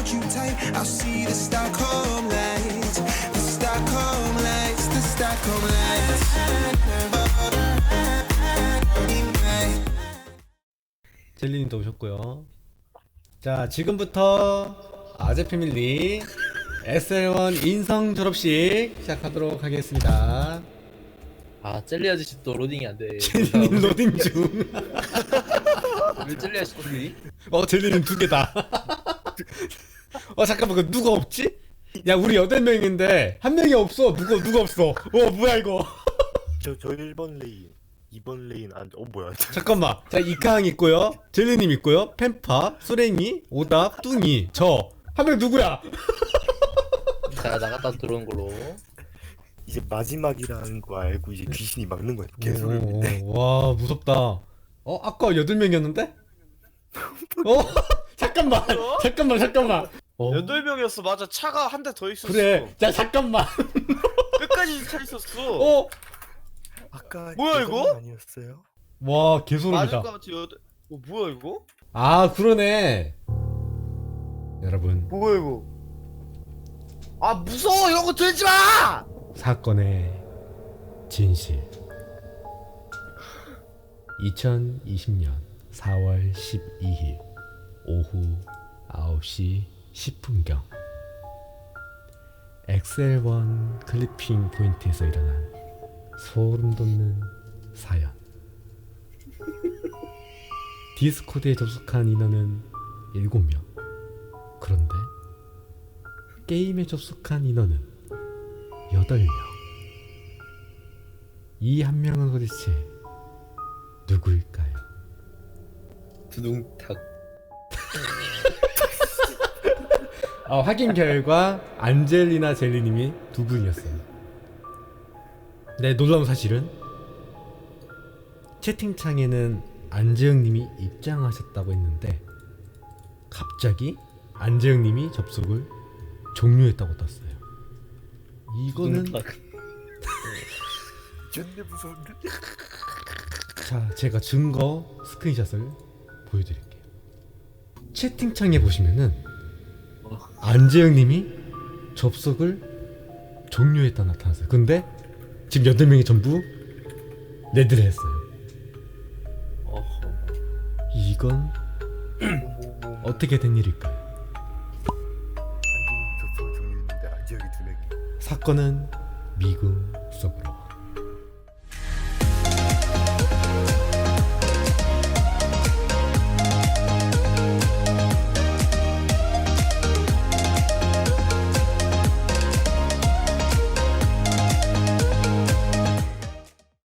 hold you tight. I'll see the Stockholm lights, the Stockholm lights, the Stockholm lights. 젤리님도 오셨고요. 자, 지금부터 아재 패밀리 SL1 인성 졸업식 시작하도록 하겠습니다. 아 젤리 아저씨 또 로딩이 안 돼. 젤리님 로딩 중. 왜 젤리 아저씨 로딩? 젤리님 두 개다. 잠깐만, 그 누가 없지? 야, 우리 8명인데 한 명이 없어. 누가 없어. 뭐야 이거. 저 1번 레인 2번 레인 뭐야. 잠깐만. 자, 이카항 있고요. 젤리님 있고요. 펜파, 수랭이, 오답, 뚱이, 저. 한 명 누구야? 자 나갔다 들어온 걸로. 이제 마지막이라는 거 알고 이제 귀신이 막는 거야. 개소리. 와, 무섭다. 아까 8명이었는데? 잠깐만. 잠깐만. 8명이었어. 맞아. 차가 한 대 더 있었어. 그래. 자, 잠깐만. 끝까지 차 있었어. 아까 뭐야, 이거? 아니었어요? 와, 맞을 개소름이다. 것 같지. 뭐야 이거? 그러네. 여러분, 뭐야 이거? 아 무서워. 이런 거 들지 마. 사건의 진실. 2020년 4월 12일 오후 9시 10분경 엑셀1 클리핑 포인트에서 일어난 소름 돋는 사연. 디스코드에 접속한 인원은 7명. 그런데 게임에 접속한 인원은 8명. 이 한 명은 도대체 누구일까요? 두둥탁. 확인 결과 안젤리나 젤리님이 두 분이었어요. 네, 놀라운 사실은 채팅창에는 안재영님이 입장하셨다고 했는데 갑자기 안재영님이 접속을 종료했다고 떴어요. 이거는 존나 무서운데? 자, 제가 증거 스크린샷을 보여드릴게요. 채팅창에 보시면은 안재영님이 접속을 종료했다 나타났어요. 근데 지금 8명이 전부 레드를 했어요. 이건 어떻게 된 일일까요? 안경이 접속을 종료했는데 안지혁이 2명이. 사건은 미궁 속으로.